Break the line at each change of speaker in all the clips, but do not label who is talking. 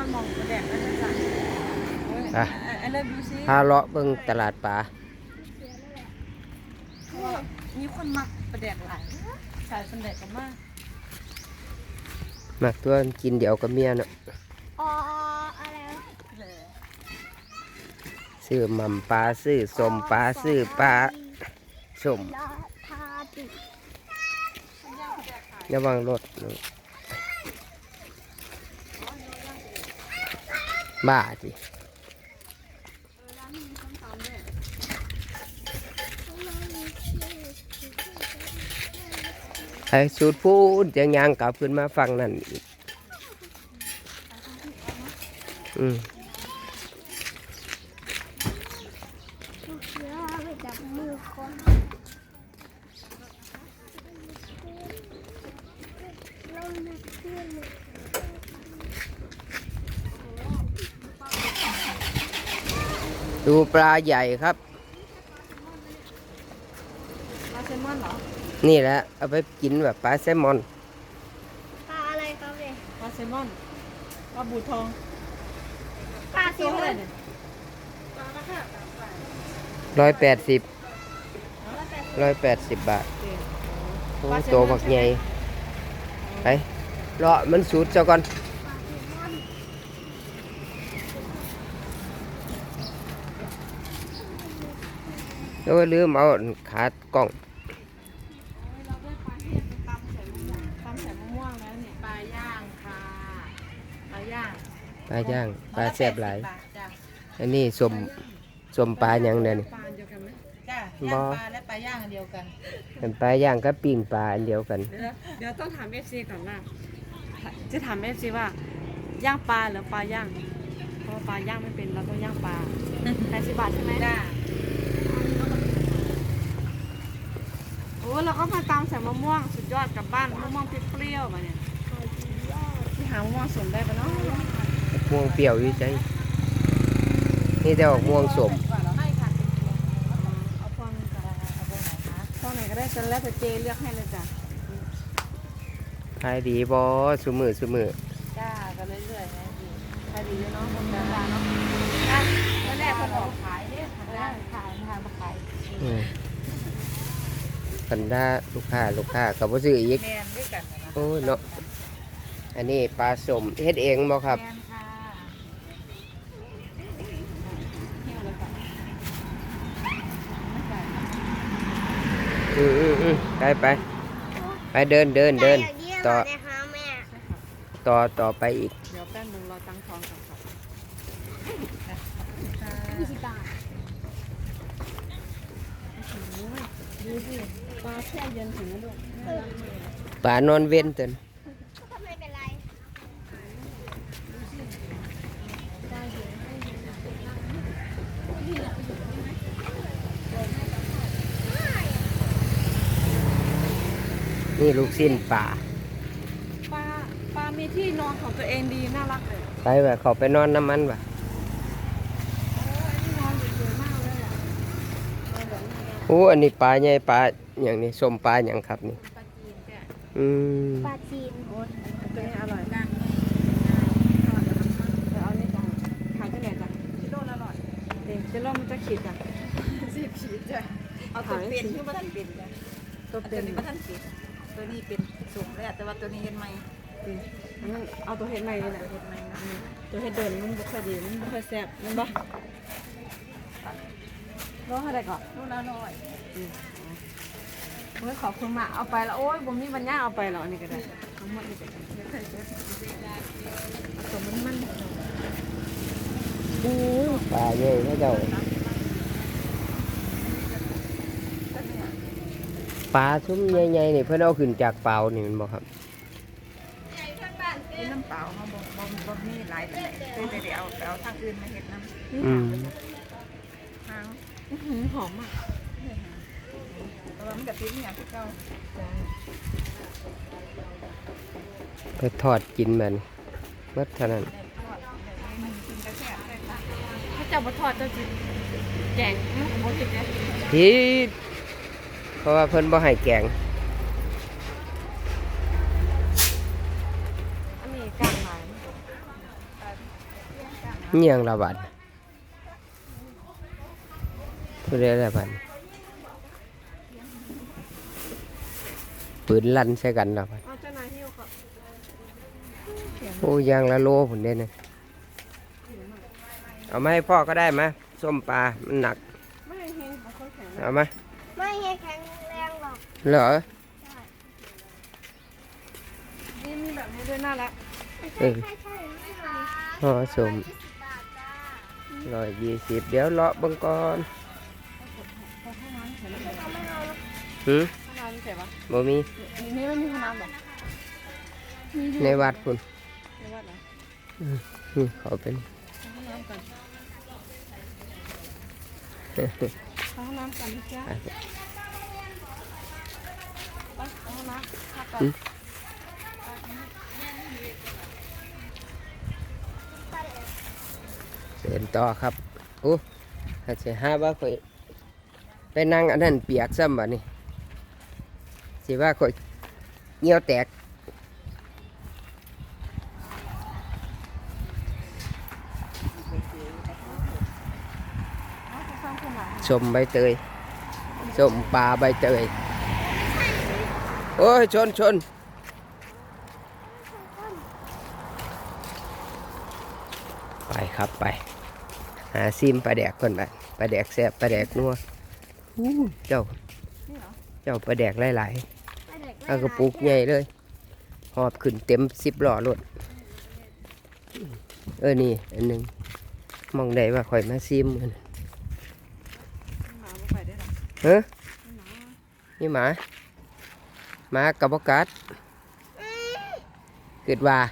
มองแดดนั่นจ้ะไอ้เลิฟดูซิ
พาเลาะเบิ่งตลาดปลา
มีคนมักประแดกหลายสายประแดกกันมาก
มักตัวกินเดี๋ยวกับเมียเนาะ
อ๋ออะไร
ซื้อหม่ำปลาซื้อสมปลาซื้อปลาสม
ทาติ
ระวังรถบ้าจิไอ้สูตรพูดจะยางกลับขึ้นมาฟังนั่นอีก
ลูกเสือไปจับมือคนเราหนักเพื่อน
ดูปลาใหญ่ครับ
ปลาแซลมอนเหรอ
นี่แหละเอาไปกินแบบปลาแซลมอน
ปลาอะไรครับเนี่ย
ปลาแซลมอนปลาบูทอง
ปลาสีอะไรเนี่ย
180 บาทโอ้ตัวบักใหญ่ไปเลาะมันสูดเจ้าก่อนแล้วลืมเอาขากล้อง
เราได้ปลาที่เป็นตำใส่มะม่วงแล้วเนี่ยปลาย่างค่ะปลาย่าง
ปลาย่างปลาแซ่บหลาย
จ้ะ
อันนี้สมปลาอย่างเดียวนี่
ปลาเดียวกันไหมจ้ะย่างปลาและปลาย่างอันเดียวกัน
เป็นปลาย่างกับปิ้งปลาอันเดียวกัน
เดี๋ยวต้องถาม FC ก่อนว่าจะถาม FC ว่าย่างปลาหรือปลาย่างเพราะว่าปลาย่างไม่เป็นเราต้องย่างปลา80 บาทใช่ไหมจ้ะโอ้เราก็มาตามใส่มะม่วงสุดยอดกลับบ้านมะม่วงเปรี้ยวๆมาเนี่ยที่หามะม่วงสมได้ปะเนาะ
ม่วงเปรี้ยวอยู่ใจนี่แต่ออกม่วงสม
ไม่ค่ะเอาพวงกับเอาพวงไหนคะพวงไหนก็ได้จนแล้วแต่เจเลือกให้เลยจ้ะ
ขายดีบ่ซุมือ
จ้าก็เรื่อยๆนะดีขายดีเนาะคนจ้าเนาะตอนแรกคนออกขายเนี่ยขายมาขาย
กันได้ลูกค้ากับบ่ซื้ออีก
แมนด้วยกันนะ
โอ้ยเนาะอันนี้ปลาสมเฮ็ดเองบ่ครับ
แมนค่ะเที่ยวเลยค่ะ
ไปเดินต่อ
นะคะแม่
ต่อไปอีก
เดี๋ยวแป๊บนึงรอตั้งทองก่อนค่ะ
20 บาท
ดูสิปลาแช่เย็นถึงนะลูก
ปลานอนเว้นเต็น
ไม่เป็นไร
นี่ลูกสิ้นปลา
มีที่นอนของตัวเองดีน่ารักเลย
ไปแบบเขาไปนอนน้ำมันว่ะโอ้อันนี้ปลาใหญ่ปลาอย่างนี้ส้มปลาอย่างครับนี่
ปลาจีน
ตัวนี้อร่อยมากเดี๋ยวเอานี่จ้ะขายที่ไหนจ้ะกิโลละ100กิโลมันจะขีดจ้ะ10 ขีดจ้ะเอาตัวเป็นที่บ้านเป็นจ้ะตัวเป็นบ้านเป็นตัวนี้เป็นสูงเลยแต่ว่าตัวนี้เห็นไหมเอาตัวเห็ดใหม่เลยนะตัวเห็ดเดินมันบุกคดีมันบุกแซ่บมันบ่รอให้ได้ก่อนรู้แล้วน้อยเมื่อขอบคุณมากเอาไปแล้วโอ้ยผมมีปัญญาเอาไปแล้วอันนี้ก็ได้ทั้งหมดนี่ก็ได้ตัวมัน
ปลาใหญ่เขาเจ้าปลาชุ่มใหญ่ๆนี่เพื่อนเอาขึ้นจากเปล่านี่มันบอกครับ
น้ำเปล่าเขาบ่มีหลายแต่เดี๋ยวเอาทางอื่นมาเห็ดน้ำหอมอ่ะแต่ว่ามันกับปิ้งอย่างที่เก่า
ไปทอดกินมันเมื่อเท่านั้น
ถ้าเจ้าบ่ทอดเจ้าจิแกงมันบ่ผิดเลย
ผิดเพราะว่าเพิ่นบ่ให้แกง
อันนี้กลางหลาย
เงียงละบาดผู้ใดละบาดปืนลั่นใส่กันละบาด
เอาเจ้านายหิ้วครับ
โอ้ยางละโลผลเด่นนะเอามาให้พ่อก็ได้ไหมส้มปลา มันหนัก
ไม่เห็นเอาคนแข็ง
เอามา
ไม่ให้แข็งแรงหรอก
เหรอ
นี่มีแบบนี้ด้วยน่ารัก
เออ
ใช่ไม่ค่ะ
ห่อส้ม
บาทจ้า
120เดี๋ยวเลาะเบิ่งก่อน
พอห้องน้ำเสร็จแล้ว
เอาไม่เอาแล้ว
หืม
ห้องน้ำเสร็จปะ
บ่มี
นี่ไม่มีห้องน้ำหรอมีอยู่
ในวัดพุ่น
ในวัดเหรอ
นี่เขาเป็น
ห้องน้ำกันห้องน้ำกันพี่จ้าไปห้องน้ำพักก่อน
เดินต่อครับโอ้ถ้าจะหาว่าข่อยไปนั่งอันนั้นเปียกซ้ำบ่นี่สิว่าข่อยเหงี่ยวแตกส้มใบเตยส้มปลาใบเตยโอ้ยชนไปครับไปหาซิมปลาแดกก่อนไปปลาแดกแซ่บปลาแดกนัวอู้เจ้าปลาแดกหลายๆเอากระปุกใหญ่เลยหอบขึ้นเต็ม10 ล้อรถนี่อันหนึงมองได้ว่าข่อยมาซิมกัน
หมาไม่ไปได้หรอ
เฮ้ยนี่หมากับบกัดเกิดว่า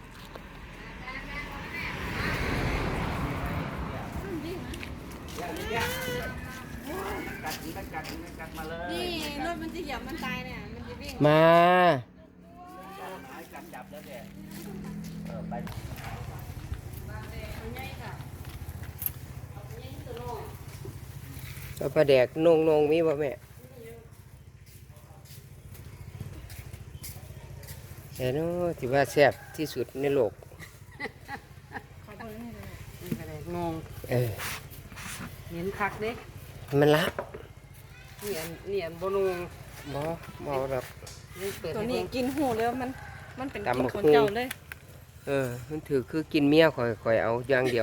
นี่รถมันจะเหยียบมันตายเนี่ยมันจะวิ่ง
มาเอาปลาแดกนงมีบ่แม่แต่เนาะที่ว่าแซ่บที่สุดในโลก
ขอโทษนี่เลย
นี่ก็เลยงง
เออ
เห็นคักเด้
มันละ
นี่อันบ่งง
บ่เอาหรอก
นี่เปิด
ตัว
ให้
นี้
เบิ่ง
กินหูแล้วมันเป็น
ตำ
กิน
บัก
คน
หุ่ง
เจ้าเลย
มันถือคือกินเมียข่อยเอาอย่างเดียว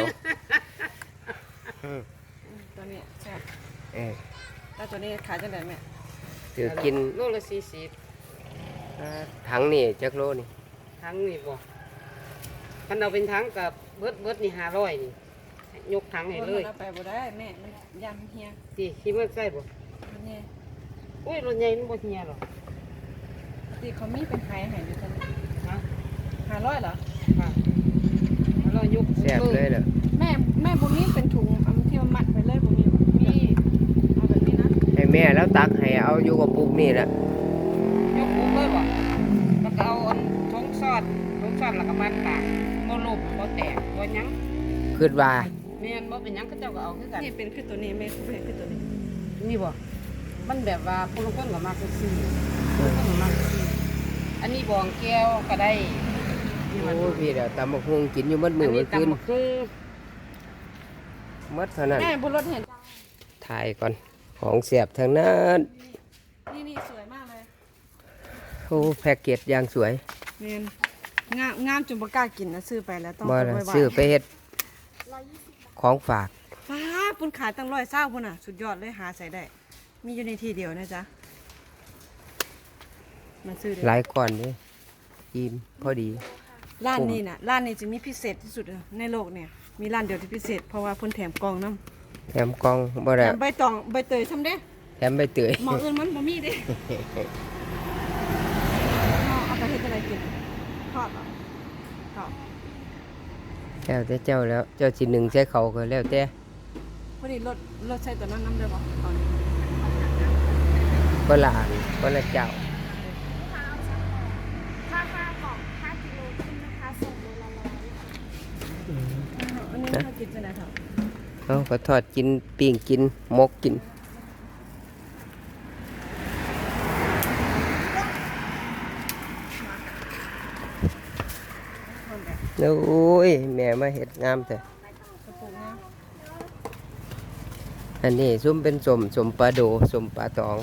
ตัวนี้ใช่
เออ
แล้วตัวนี้ขายจังไดแม่
ถือกิน
โลละ40
ถังนี่จักโลนี่
ทั้งนี่บ่คันเอาเป็นทั้งกับเบิดนี่500นี่ยกทั้งให้เลย
เอาไปบ่ได้แม่มันยำเฮีย
สิคิดว่าใกล้บ่
มันเนี่ย
อุ้ยรถใหญ่มันบ่เหี่ยหรอก
ที่เขามีเป็นไข่ให้ด้วยกัน
ฮะ
500เหรอ
ค่ะแล้วเรายก
แซ่บเลยเหรอ
แม่บ่มีเป็นถุงเอามาที่มัดไปเลยบ่มี
มี
เอาแบบนี้นะ
ให้แม่แล้วตักให้เอาอยู่กับปุกนี่แหละ
ยกปุ๊บเลยบ่แล้วก็เอาอันทงซอดแล้วก็มาตากบ่ลบบ่แตกบ่หยัง
คิดว่า
แม่นบ่เป็นหยังเขาเจ้าก็เอาคือกัน
นี่เป็นคือตัวนี้แม่เป็นคือตัวนี้
นี่บ่มันแบบว่าผู้ลางคนก็มักซื้อผู้ลางคนก็มักซื้ออันนี้บองแก้วก็ได้นี่มัน
โอ้พี่เดี๋ยวตำบักหุ่งกินอยู่มัดมือมันคืน
ตำบักหุ่ง
มัดเท่านั้น
แม่บุญรถเห็น
ถ่ายก่อนของเสียบทางนั้น
นี่สวยมากเลย
โอ้แพ็กเกจอย่างสวย
เนียนงามจนบ่กล้ากินนะซื้อไปแล้วต้อง
บ่
เอา
ละ
ไว้บ้าน
ซื้อไปเฮ็ดของฝาก
ฟ้าปุ่นขายตั้ง120พุ่นน่ะสุดยอดเลยหาใส่ได้ มีอยู่ในที่เดียวนะจ๊ะมาซื้อ
ห
ได้
ลายก่อนนี่กินพอดี
ร้านนี้น่ะร้านนี้จะมีพิเศษที่สุดในโลกเนี่ยมีร้านเดียวที่พิเศษเพราะว่าเพิ่นแถมกล่องน้ำ
แถมกล่องบ่
แถ
ได้
มใบตองใบเตยทำเด้
แถมใบเตย
หมออื่นมันบ่มีเด้เอาไปเฮ็ดอะไรกินทอดเหรอทอด
แล้วแต่เจ้าแล้วเจ้าสิหนึ่งใส่เขาก็แล้วแต่
พอดีรถใส่ตัวนั้นน้ำเด้อบ่ตอนนี้
ก็ละอันก็ละเจ้า
ราคากล่อง5 กิโลขึ้นนะคะส่งโลละ100
อันนี้น่ากินจังได๋ครับ
เอาก็ทอดกินปิ้งกินหมกกินโอ้ยแม่มาเฮ็ดงามแต่อันนี้ซุ่มเป็นสมปลาโดสมปลาตอง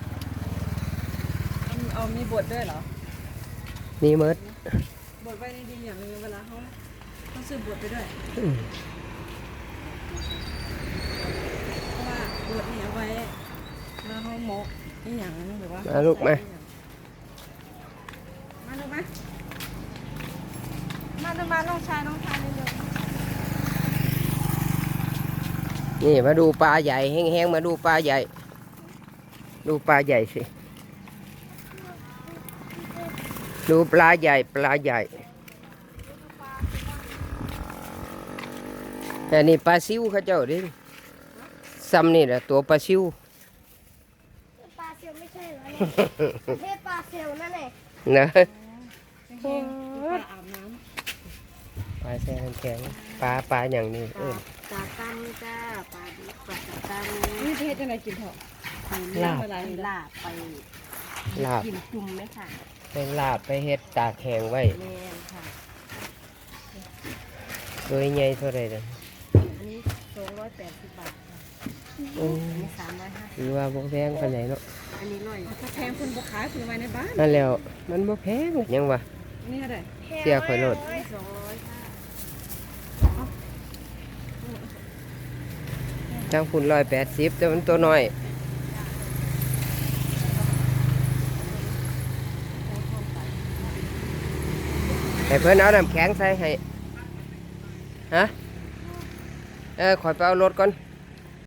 เอามีบทด้วยเหรอ
มีเมด
บทไว้ในดีอย่างนึงเวลาเขาต้องซื้อบทไปด้วย
อืม
เพราะว่าบทนี่เอาไว้แล้วเขาหมกนี่อย่างนึงหรือว่า
มาลูกมา
มาลูกมามาน้องชายเร็ว
นี่มาดูปลาใหญ่แห้งๆมาดูปลาใหญ่ ดูปลาใหญ่สิดูปลาใหญ่แต่นี่ปลาซิวเขาเจ้าดิซ้ำนี่แหละตัวปลาซิว
ปลาเซลไม่ใช่เหรอประเทศปลาเซลนั่นแหละ
นะ
ๆแห้งๆปลาอาบน้
ปลาแซ่แข็งปลาอย่างนี้เออ
ปลาตั้มจ้าปลาดิบปลาตั้ม
ำนี่จะเฮ็ดจังไดกินเถอะ
ลาบ
อะไร
ลาบไป
ลาบ
กินจุ่มไหมค่ะ
ไปลาบไปเฮ็ดตากแห้งไว้
แม่นค่ะ
โดยใหญ่เท่าไหรเด้อ
อันนี้280 บาทค่ะ
โอ้
อันนี้350
หรือว่าบ่แพงปานไหนเนาะ
อันนี้ร้อย
ถ้าแพงคนบ่ขายคือไว้ในบ้าน
นั่นแล้วมันบ่แพงยังวะ
นี่อะไร
เสียข่อยโลด
200ค่ะ
ทางคุณ180แต่มันตัวน้อยให้เพิ่นเอาน้ำแข็งใส่ให้ฮะข่อยไปเอารถก่อน